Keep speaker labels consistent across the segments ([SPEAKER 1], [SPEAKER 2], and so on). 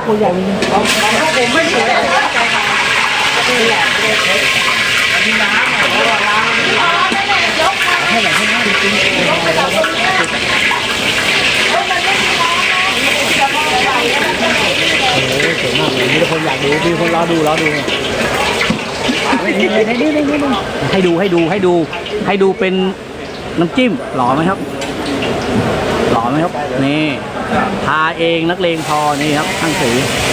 [SPEAKER 1] ตัวใหญ่จริงของพวกผมไม่สวยนี่แหละอันนี้น้ำล้างให้ไหนให้น้ำจริงๆสวยมากเลยมีคนอยากดูมีคนรอดูให้ดูเป็นน้ำจิ้มหล่อไหมครับนี่ทาเองนักเลงพอนี่ครับทั้งสี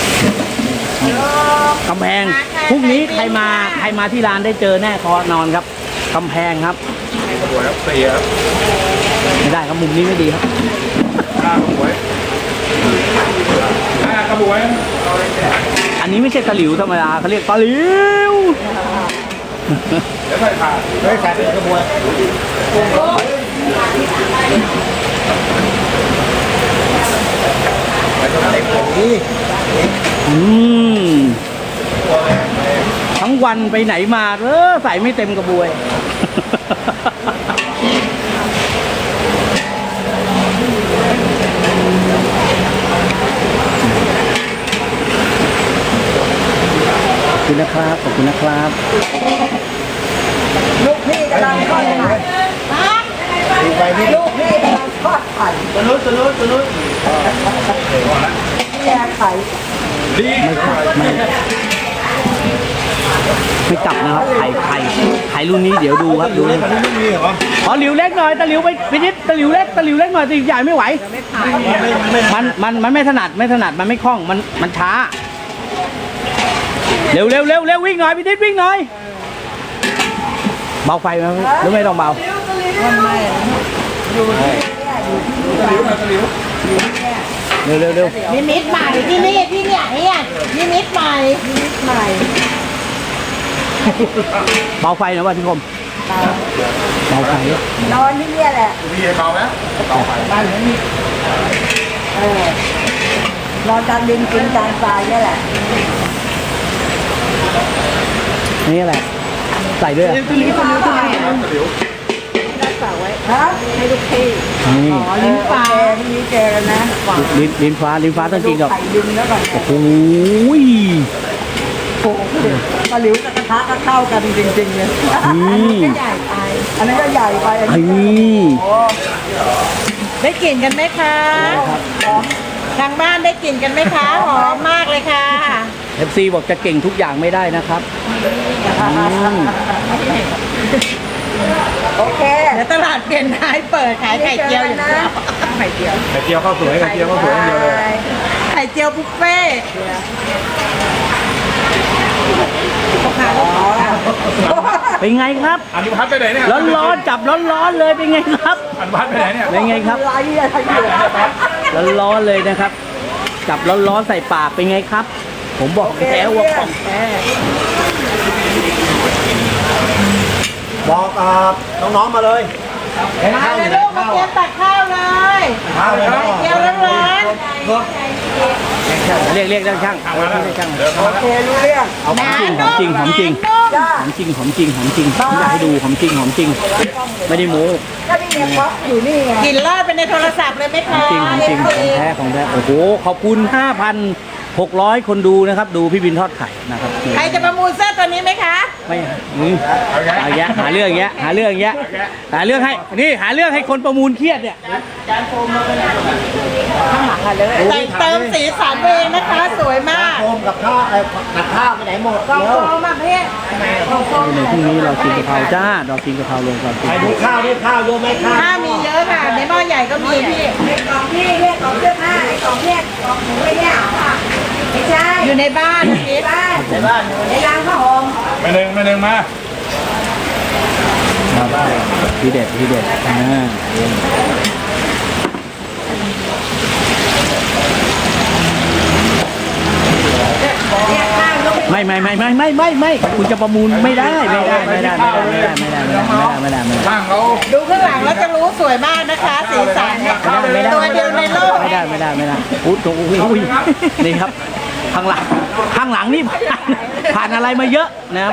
[SPEAKER 1] กำแพงพรุ่งนี้ใครมาที่ร้านได้เจอแน่คอนอนครับกำแพงครับไม่ได้ครับมุมนี้ไม่ดีครับกระบวยอันนี้ไม่ใช่ตะหลิวธรรมดาเขาเรียกตะหลิวแล้วใส่ขาเป็นกระบวยทั้งวันไปไหนมาใส่ไม่เต็มกระบวยขอบคุณนะครับ
[SPEAKER 2] ลูกพี่กำลังทอดไข่ลูกพี่กำลังทอดไข่ตัวนู้นแย่ไข่
[SPEAKER 1] ไม่กลับนะครับไข่รุ่นนี้เดี๋ยวดูครับดูขอหลิวเล็กหน่อยตะหลิวไปพินิจตะหลิวเล็กหน่อยตะหลิวใหญ่ไม่ไหวมันไม่ถนัดมันไม่คล่องมันช้าเร็ววิ่งหน่อยพี่นิดวิ่งหน่อยเบาไฟไหมหรือไม่ต้องเบา
[SPEAKER 2] ไม่อยู่เ
[SPEAKER 1] ร็ว
[SPEAKER 2] นิมิตใหม่ที่นี่นิมิตใหม่
[SPEAKER 1] เบาไฟนะว่าพี่คมเบาไฟ
[SPEAKER 2] นอนที่นี่แหละ
[SPEAKER 3] พี่เบาไหมเบาไฟ
[SPEAKER 2] บ้านนี้นอนกลางดินกินกลางทรายนี่แหละ
[SPEAKER 1] นี่แหละใส่ด้วย
[SPEAKER 2] ตัวนี้รักษาไว้ให้ลูกพี่ลิ้นฟ้ามีเจอนะ
[SPEAKER 1] ลิ้นฟ้าต้องกินกับ
[SPEAKER 2] ดินแล้วก่อน
[SPEAKER 1] โอ้โห
[SPEAKER 2] ปลาหลิวกับกระทะก็เข้ากันจริงๆเลยอันนี้ก็ใหญ่ไปอันนี้ได้กลิ่นกันไหมคะทางบ้านได้กลิ่นกันไหมคะหอมมากเลยค่ะ
[SPEAKER 1] FC บอกจะเก่งทุกอย่างไม่ได้นะครับ
[SPEAKER 2] โอเคเดี๋ยวตลาดเปลี่ยนท้ายเปิดขายไข่เจียวอยู่นะไข่เจียว
[SPEAKER 3] ข้าวสวยอย่างเดียวเลย
[SPEAKER 2] ไข่เจียวบุฟเฟ่
[SPEAKER 1] เป็นไงครับ
[SPEAKER 3] อันนี้พัดไปไหนเนี่ย
[SPEAKER 1] ร้อนจับร้อนเลยเป็นไงครับ
[SPEAKER 3] อันพัดไปไหนเนี่ย
[SPEAKER 1] เป็นไงครับร้อนเลยนะครับจับร้อนใส่ปากเป็นไงครับผมบอกแล้วว่าของแท้
[SPEAKER 4] บอกน้องๆมาเลย
[SPEAKER 2] มาเลยลูกมาเตรียมตักข้าวเลยเจียวร้อน
[SPEAKER 1] เรียกช่างช่าง
[SPEAKER 2] โอเครู้เรื่อง
[SPEAKER 1] เอาของจริงอยากให้ดูของจริงไม่ได้โม้
[SPEAKER 2] ก็นี่ไงพ็อกอยู่นี่ไงกินลอดไปในโทรศัพท์เลยไหมคะ
[SPEAKER 1] จริงของแท้โอ้โหขอบคุณ 5,600 คนดูนะครับดูพี่บินทอดไข่นะครับ
[SPEAKER 2] ใครจะประมูลเสื้อตัวนี้ไหมคะ
[SPEAKER 1] ไม่เอาแยะหาเรื่องให้หาเรื่องให้คนประมูลเครียดเนี่ย
[SPEAKER 2] การโฟมมาเป็นข้างหลังอะเลยแต่เติมสีสันเองนะคะสวยมาก
[SPEAKER 4] โฟมกับข้าวไปไหนหมด
[SPEAKER 2] กองโฟมมาเพื่อน
[SPEAKER 1] ในพรุ่งนี้เรากินกะเพราจ้าเรากินกะเพราลงก่อน
[SPEAKER 4] ไปดูข้าวเยอะไหม
[SPEAKER 2] ข้าวมีเยอะค่ะในหม้อใหญ่ก็มีพี่กล่องพี่เรียกกล่องเสื้อผ้าไอ้กล่องเรียกกล่องหมูไม่เรียกไม่ใช่อยู่ในบ้านในบ้านในร้านข้าวหอม
[SPEAKER 3] ไม่หนึ่งมา
[SPEAKER 1] ทีเด็ดไม่คุณจะประมูลไม่ได้
[SPEAKER 3] ช่างเขา
[SPEAKER 2] ดูข้างหลังแล้วจะรู้สวยมากนะคะสีสันตัวเดียวในโลก
[SPEAKER 1] ไม่ได้อุ้ยนี่ครับข้างหลังนี่ผ่านอะไรมาเยอะนะครับ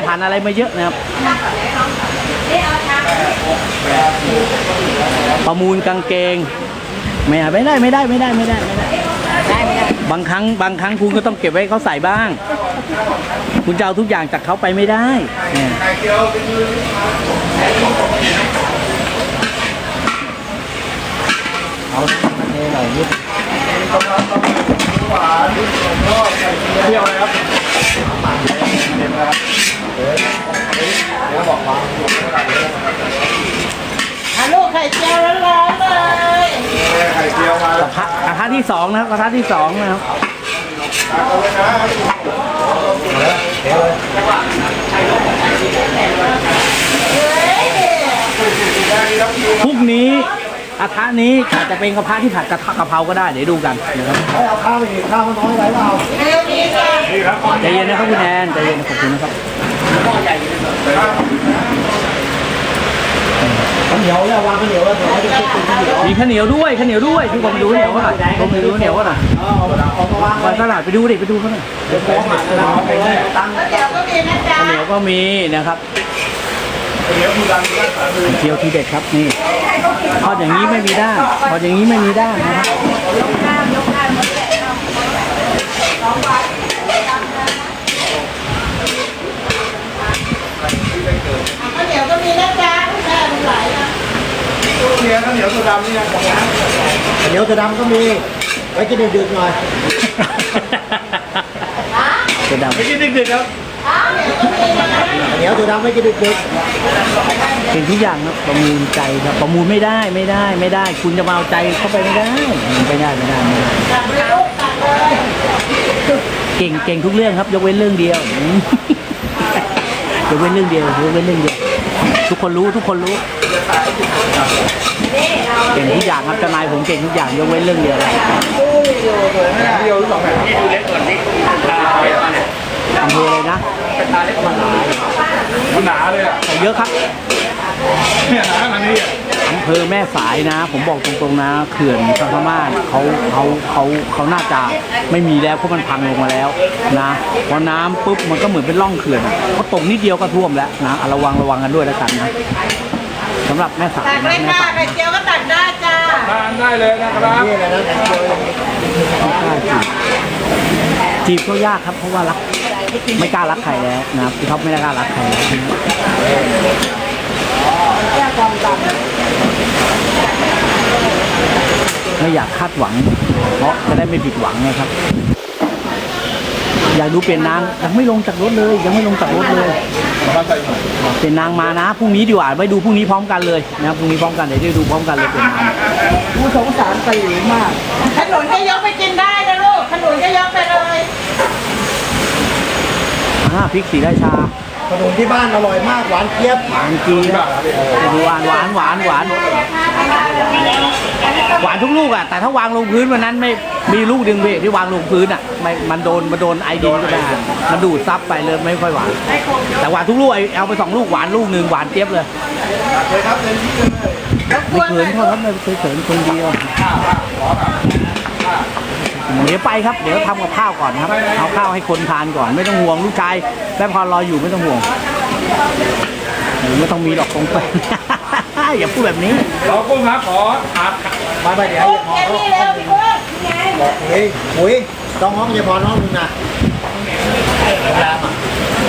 [SPEAKER 1] ประมูลกางเกงไม่ได้บางครั้งคุณก็ต้องเก็บไว้ให้เขาใส่บ้าง คุณจะเอาทุกอย่างจากเขาไปไม่ได้เนี่ย
[SPEAKER 4] ไข่เจียวเป็นมือ
[SPEAKER 2] เอามาเทหน่อยนิด
[SPEAKER 4] หวานก็ไข่เจียวนะครับแล้วบอกว่า
[SPEAKER 2] ลูกไข่เจียวร้อนๆเลย
[SPEAKER 4] ไข่เจียวมาก
[SPEAKER 1] ระทะที่สองนะครับกระทะที่สองนะครับ
[SPEAKER 4] เอาเลยนะเดี๋ยวเลย
[SPEAKER 1] พรุ่งนี้กระทะนี้อาจจะเป็นกระทะที่ผัดกะเพราก็ได้เดี๋ยวดูกันนะครับ
[SPEAKER 4] ให้เอาข้าวไปอีกข้าวมันน้อยไหมเปล่านี่ครับ
[SPEAKER 1] ใจเย็นนะครับคุณแอนใจเย็นขอบคุณนะครับ
[SPEAKER 4] ข้าวเหนียวเนี่ยวางข้าวเหนียวแล้วเดี๋ยวจะเช็คเป็นข้าวเหนียว
[SPEAKER 1] มีข้าวเหนียวด้วยข้าวเหนียวด้วยทุกคนไปดูข้าวเหนียวก็หน่อยผมไปดูข้าวเหนียวก็หน่อย
[SPEAKER 4] เอามาวาง
[SPEAKER 1] วันตลาดไปดูดิไปดูเขาหน่อย
[SPEAKER 4] เดี๋ยวผมหาเราไปเลยตั้ง
[SPEAKER 2] เดี๋ยวก็มีนะจ๊ะ
[SPEAKER 1] ข้าวเหนียวก็มีนะครับ
[SPEAKER 4] เดี๋ยวคุณดังรักษามือ
[SPEAKER 1] เที่ยวที่เด็ดครับนี่ทอดอย่างนี้ไม่มีด้างทอดอย่างนี้ไม่มีด้างนะครับ
[SPEAKER 2] ข้าวเหนียวก็มีนะจ๊ะแม่มันไหลนะ
[SPEAKER 4] เนี่ยข้าวเหนียวตัวดำนี่นะของร้านข้าวเหนียวตัวดำก็มีไว้กินดึกๆหน่อย
[SPEAKER 1] จะดำ
[SPEAKER 3] ไม่กินดึกๆครับ
[SPEAKER 2] ข้าวเหนียวก็มีนะ
[SPEAKER 4] ข้าวเหนียวตัวดำไว้กินดึก
[SPEAKER 1] เป็นทุกอย่างครับประมูลใจครับประมูลไม่ได้ คุณจะมาเอาใจเข้าไปไม่ได้ไม่ได้
[SPEAKER 2] ตัดเลยลูกตัดเลย
[SPEAKER 1] เก่งทุกเรื่องครับ ยกเว้นเรื่องเดียว ยกเว้นเรื่องเดียวทุกคนรู้เก่งทุกอย่างครับเจ้านายผมเก่งทุกอย่างยกเว้นเรื่องเดียว
[SPEAKER 3] เดียวหรือสองแผ่นนี่ดูเล็กก่อนนี่
[SPEAKER 1] อำเภอเลยนะ
[SPEAKER 3] มันหนาเลยอ่ะ
[SPEAKER 1] เยอะครับ
[SPEAKER 3] เนี่ยหนาขนาดนี้อ่ะ
[SPEAKER 1] อำเภอแม่สายนะ ผมบอกตรงๆนะเขื่อนพม่านเขาน่าจะไม่มีแล้วเพราะมันพังลงมาแล้วนะพอน้ำปุ๊บมันก็เหมือนเป็นร่องเขื่อนเขาตกนิดเดียวก็ท่วมแล้วนะระวังกันด้วยแล้วกันนะสำหรับแม่สาย
[SPEAKER 2] ตัด
[SPEAKER 1] นะ
[SPEAKER 2] เลย
[SPEAKER 1] แม่
[SPEAKER 2] ค่ะ
[SPEAKER 1] สาย
[SPEAKER 2] ไข่เจียวก็ตัดได้จ้า
[SPEAKER 3] ทานได้เลยนะครับ
[SPEAKER 4] ๆนี่อะไรนะไข่เจียว
[SPEAKER 1] จีบก็ยากครับเพราะว่ารักไม่กล้ารักใครแล้วนะครับพี่ท็อปไม่ได้กล้ารักใครแล้วไม่อยากคาดหวัง เพราะจะได้ไม่ผิดหวังนะครับ อยากดูเปลี่ยนนางยังไม่ลงจากรถเลยเปลี่ยนนางมานะพรุ่งนี้ดีกว่าไปดูพรุ่งนี้พร้อมกันเลยนะครับพรุ่งนี้พร้อมกันเดี๋ยวได้ดูพร้อมกันเลยเปลี่ยนนาง
[SPEAKER 2] ผู้สงสารไปหรือมากขนุนก็ยกไปกินได้นะลูกขนุนก็ยกไปเลย
[SPEAKER 1] พริกศรีราชา
[SPEAKER 4] ขนมที่บ้านอร่อยมากหวานเจี๊ยบ
[SPEAKER 1] หวานจีนหวานทุกลูกอ่ะแต่ถ้าวางลงพื้นวันนั้นไม่มีลูกดึงเบรกที่วางลงพื้นอ่ะมันโดนไอดินก็ได้มันดูดซับไปเลยไม่ค่อยหวานแต่หวานทุกลูกเอาไป2 ลูกหวานลูกหนึ่งหวานเจี๊ยบเลย
[SPEAKER 4] เลยครับเต็มที่เลย
[SPEAKER 1] ไม่เขินเขาครับไม่เคยเขินคนเดียวเดี๋ยวไปครับเดี๋ยวทำกับข้าวก่อนครับเอาข้าวให้คนทานก่อนไม่ต้องห่วงลูกชายแม่พรรออยู่ไม่ต้องห่วงไม่ต้องมีดอกคงไป อย่าพูดแบบนี้
[SPEAKER 3] ขอกุ้งครับขอขาด
[SPEAKER 4] มาเดี๋ยว
[SPEAKER 2] แค่นี้แล้วพี่กุ้งไง
[SPEAKER 4] บอกหุยต้องห้องจะพอน้องนึงนะยามอ่ะ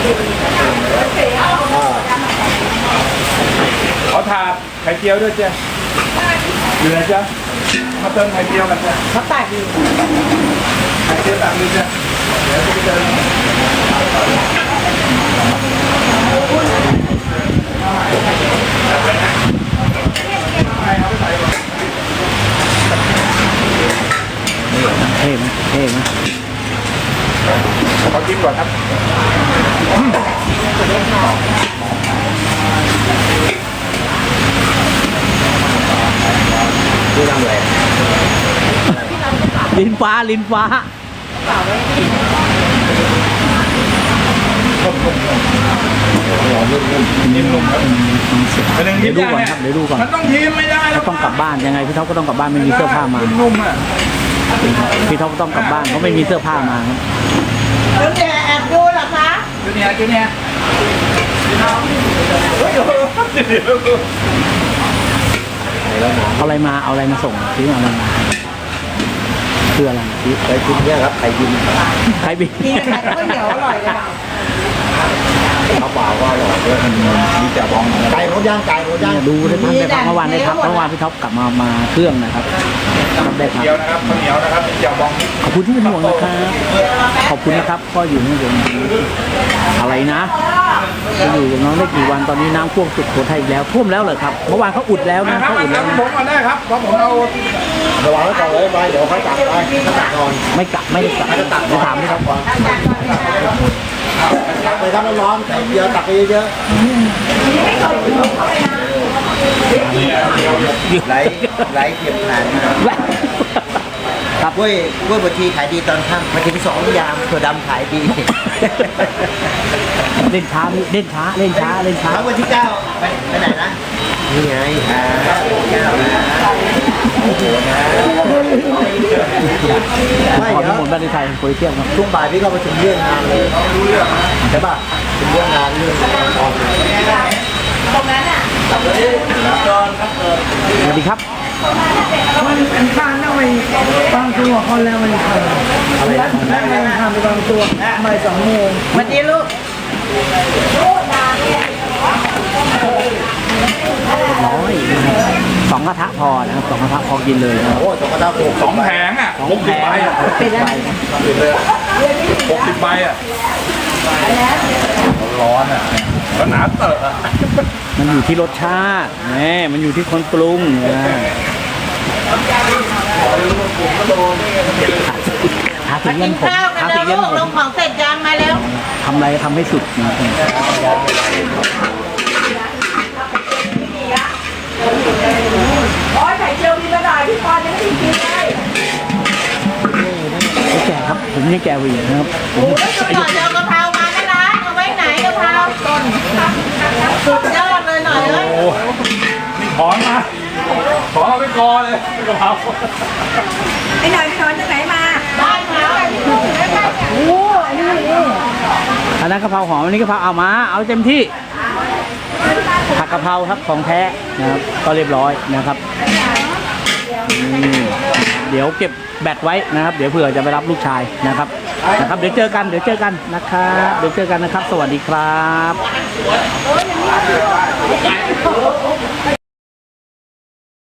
[SPEAKER 3] ขอถาดไข่เจียวด้วยเจ้เหลือจ้ะมาเติมไข่เจียวกันจ้ะ
[SPEAKER 2] เขาตัดอยู่
[SPEAKER 3] ไข่เจียวตักนึงจ้ะเดี๋ยวจะไปเติม
[SPEAKER 1] เท่ไหม
[SPEAKER 3] ขอกินก่อนครับ
[SPEAKER 4] ดูทำอะไร
[SPEAKER 1] ลิ้นฟ้า
[SPEAKER 3] นิ่มนุ่มครับเป็นหนึ่ง
[SPEAKER 1] เดี๋
[SPEAKER 3] ที่
[SPEAKER 1] ยวดูก่อนครับเดี๋ยวดูก่อน
[SPEAKER 3] มันต้องทีมไม่ได้แล้ว
[SPEAKER 1] ต้องกลับบ้านยังไงพี่ท็อปก็ต้องกลับบ้านไม่มีเสื้อผ้ามา
[SPEAKER 3] นุ่มอ่ะ
[SPEAKER 1] พี่ท็อปก็ต้องกลับบ้านเพราะไม่มีเสื้อผ้ามาครับ
[SPEAKER 2] แล้วแกแอบดูเหรอคะ
[SPEAKER 3] จูเนียร์
[SPEAKER 1] เอาอะไรมาส่งซื้อมาอะไรมาคืออะไร
[SPEAKER 4] ไข่บินเนี่ยครับไข่บิน
[SPEAKER 1] ใครบิน
[SPEAKER 2] กินกับข้าวเหนียวอร่อยเลย
[SPEAKER 4] เขาเปล่าว่าอร่อยด้วยมีแต่บองไก่หมดย่างไก่หมดย่าง
[SPEAKER 1] ดูได้พักได้พักเมื่อวานได้พักเมื่อวานพี่ท็อปกลับมาเครื่องนะครับได้พัก
[SPEAKER 3] เกี๊ยวนะครับข้าวเหนียวนะครับมีเจียวบอง
[SPEAKER 1] ขอบคุณที่เป็นห่วงนะครับขอบคุณนะครับก็อยู่นี่ผมอะไรนะจะอยู่กับน้องได้กี่วันตอนนี้น้ำท่วมสุดโขทัยอีกแล้วท่วมแล้วเหรอครับเมื่อวานเขาอุดแล้วนะ
[SPEAKER 3] นะครับ
[SPEAKER 1] เขาอุดแล้วนะ
[SPEAKER 3] ผมมาได้ครับเพราะผมเอา
[SPEAKER 4] ระวังไว้ก่อนเลยไปเดี๋ยวเขาตักไปเขาตักนอน
[SPEAKER 1] ไม่กลับไม่ได้กลับไม่ถามไม่ครับ
[SPEAKER 4] ตักไปครับร้อนๆไข่เดียวตักไปเยอะไหลเก็บผ่านมา
[SPEAKER 1] ครับ
[SPEAKER 4] กล้วยบดชีขายดีตอนค่ำมาถึง2 ยามถั่วดำขายดี
[SPEAKER 1] เล่นช้าเล่นช้าเล่นช้าเล่นช้า
[SPEAKER 4] แล้ววันที่ 9ไปไหนนะนี่ไงโอ้โหนะไม่
[SPEAKER 1] ขอ
[SPEAKER 4] เดี๋
[SPEAKER 1] ที่
[SPEAKER 4] ยว
[SPEAKER 1] หมดบ้านในไทยโปรเทียมครับ
[SPEAKER 4] ช่วงบ่ายพี่ก็ไปถึงเรื่องงานเลยใช่ป่ะถึงเรื่องงานเรื่องตอน
[SPEAKER 2] ตรงนั้นอ่ะ
[SPEAKER 1] สวัสดีครับ
[SPEAKER 2] มันข้างนั่งไปบางตัวคนแล้วมันข้างนั่งไปข้างไปบางตัวไม่2 โมงวันนี้ลูก
[SPEAKER 1] น้อย2 กระทะพอนะครับ2 กระทะพอกินเลยนะครับ
[SPEAKER 4] โอ้จกระดาษถูก
[SPEAKER 3] 2 แผงอ่ะ
[SPEAKER 1] 2 แผง
[SPEAKER 3] ใบอ่ะ
[SPEAKER 2] เป็นอะไร
[SPEAKER 3] 60 ใบอ่ะร้อนอ่ะแล้วหนาเตอะอ่ะ
[SPEAKER 1] มันอยู่ที่รสชาติแหมมันอยู่ที่คนปรุงหาถึงเงินผม
[SPEAKER 2] ข้าวกัน
[SPEAKER 1] หา
[SPEAKER 2] แล้
[SPEAKER 1] ถึ
[SPEAKER 2] ว
[SPEAKER 1] งเงิ
[SPEAKER 2] ลู
[SPEAKER 1] น
[SPEAKER 2] ก
[SPEAKER 1] ผ
[SPEAKER 2] ล
[SPEAKER 1] ม
[SPEAKER 2] งของเสร็จยังมาแล้ว
[SPEAKER 1] ทำอะไรทำให้สุดนะ
[SPEAKER 2] โอ้ยไข่เจียวมีกระดาษพี่ปอนยังไม่ได้กินเลย
[SPEAKER 1] ไม่แก่ครับผมยังแก่กว่าอีกนะครับผม
[SPEAKER 2] โอ้ยสุดยอดเจียวกะเพรามานะร้านเอาไว้ไหนกะเพราต้นสุดยอดเลยหน่อยเลย
[SPEAKER 3] โอ้นี่ถอนมาถอนเอาไปกอเลยกะเพรา
[SPEAKER 2] ไอ้หน่อยพี่ถอนจากไหนมาบ้านเขาโอ้อันนี้
[SPEAKER 1] อันนั้นกะเพราหอมอันนี้กะเพราเอามาเอาเต็มที่ผักกะเพราครับของแท้นะครับก็เรียบร้อยนะครับเดี๋ยวเก็บแบตไว้นะครับ เดี๋ยวเผื่อจะไปรับลูกชายนะครับเดี๋ยวเจอกันนะครับเดี๋ยวเจอกันนะครับ สวัสดีครับ